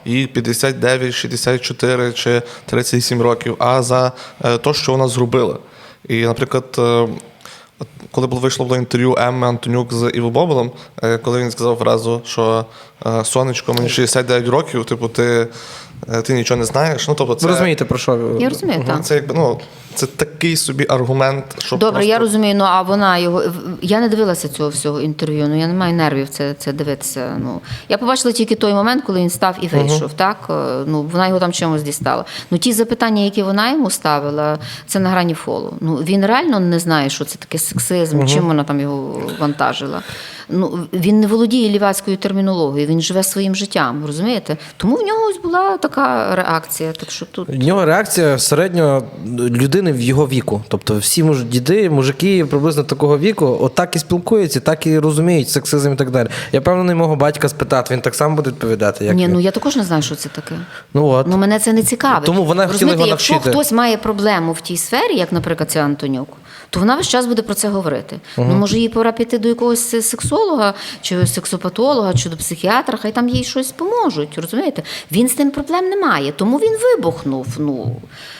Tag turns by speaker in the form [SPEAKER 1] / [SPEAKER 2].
[SPEAKER 1] їй 59, 64 чи 37 років, а за те, що вона зробила. І, наприклад, коли вийшло інтерв'ю Емми Антонюк з Іво Боболом, коли він сказав фразу, що «Сонечко, мені 69 років, типу, ти нічого не знаєш». Ну, тобто, це,
[SPEAKER 2] Ви розумієте, про що?
[SPEAKER 3] Я розумію, так.
[SPEAKER 1] це, якби, це такий собі аргумент, що
[SPEAKER 3] Добре,
[SPEAKER 1] просто...
[SPEAKER 3] я розумію, а вона його... Я не дивилася цього всього інтерв'ю, я не маю нервів це дивитися. Я побачила тільки той момент, коли він став і вийшов, так? Вона його там чимось дістала. Ті запитання, які вона йому ставила, це на грані фолу. Він реально не знає, що це таке сексизм, чим вона там його вантажила. Він не володіє лівацькою термінологією, він живе своїм життям, розумієте? Тому в нього ось була така реакція. Так що тут...
[SPEAKER 2] В нього реакція середньо людини в його віку. Тобто всі діди, мужики приблизно такого віку, отак і спілкуються, так і розуміють сексизм і так далі. Я певний мого батька спитати, він так само буде відповідати. Як
[SPEAKER 3] Ні, я також не знаю, що це таке.
[SPEAKER 2] От.
[SPEAKER 3] Мене це не цікавить.
[SPEAKER 2] Тому вона хотіла його навчити.
[SPEAKER 3] Якщо хтось має проблему в тій сфері, як, наприклад, ця Антонюк, то вона весь час буде про це говорити. Може, їй пора піти до якогось сексолога, чи сексопатолога, чи до психіатра, хай там їй щось поможуть, розумієте? Він з тим проблем не має, тому він вибухнув.